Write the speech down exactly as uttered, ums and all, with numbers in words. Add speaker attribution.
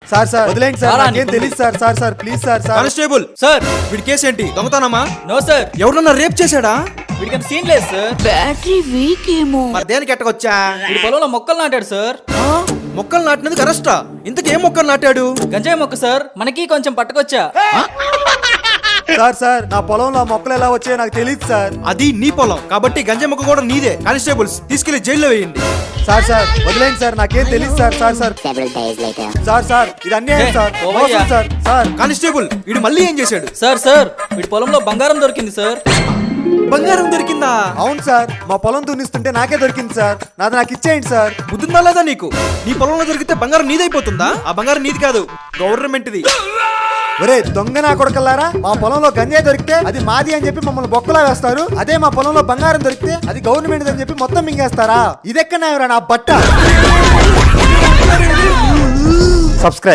Speaker 1: Sir sir వదిలేండి sir, నాకేం తెలియదు sir. Sir sir please sir. Sir
Speaker 2: constable
Speaker 3: sir
Speaker 2: వీడి కేసు ఏంటి? దొంగతనమా?
Speaker 3: నో సార్,
Speaker 2: ఎవరన్నా రేప్ చేశాడా?
Speaker 3: వీడికి అంత సీన్ లేదు సార్.
Speaker 4: బ్యాటరీ వీక్ ఏమో.
Speaker 2: మరి దేనికి ఎట్టకొచ్చా?
Speaker 3: వీడి పొలంలో మొక్కలు నాటాడు సార్.
Speaker 2: మొక్కలు నాటినందుకు అరెస్టా? ఇంతకు ఏం మొక్కలు నాటాడు?
Speaker 3: గంజాయి మొక్క సార్, మనకి కొంచెం పట్టుకొచ్చా.
Speaker 1: సార్ సార్ నా పొలంలో మొక్కలు ఎలా వచ్చాయో నాకు తెలియదు సార్.
Speaker 2: అది నీ పొలం కాబట్టి గంజాయి మొక్క కూడా నీదే. కానిస్టేబుల్స్ తీసుకెళ్లి జైల్లో వేయండి.
Speaker 1: సార్ సార్ వదిలేండి సార్, నాకేం తెలియదు sir. Sir sir sir sir ఇది అన్యాయం సార్.
Speaker 3: ఏ, ఓవయ్యా.
Speaker 1: మోసం సార్. సార్
Speaker 2: కానిస్టేబుల్ వీడు మళ్ళీ ఏం చేశాడు?
Speaker 3: సార్ సార్ వీడి పొలంలో బంగారం దొరికింది సార్.
Speaker 2: బంగారం దొరికిందా?
Speaker 1: అవును సార్, మా పొలం దున్నిస్తుంటే నాకే దొరికింది సార్. నాది నాకు ఇచ్చేయండి సార్.
Speaker 2: బుద్ధిందా లేదా నీకు? నీ పొలంలో దొరికితే బంగారం నీదైపోతుందా? ఆ బంగారం నీది కాదు, గవర్నమెంట్ది.
Speaker 1: ఒరే దొంగ నా కొడకల్లారా, మా పొలంలో గంజాయి దొరికితే అది మాది అని చెప్పి మమ్మల్ని బొక్కలా వేస్తారు. అదే మా పొలంలో బంగారం దొరికితే అది గవర్నమెంట్ అని చెప్పి మొత్తం మింగేస్తారా? ఇదెక్కడన్నా నా బట్ట. సబ్స్క్రైబ్.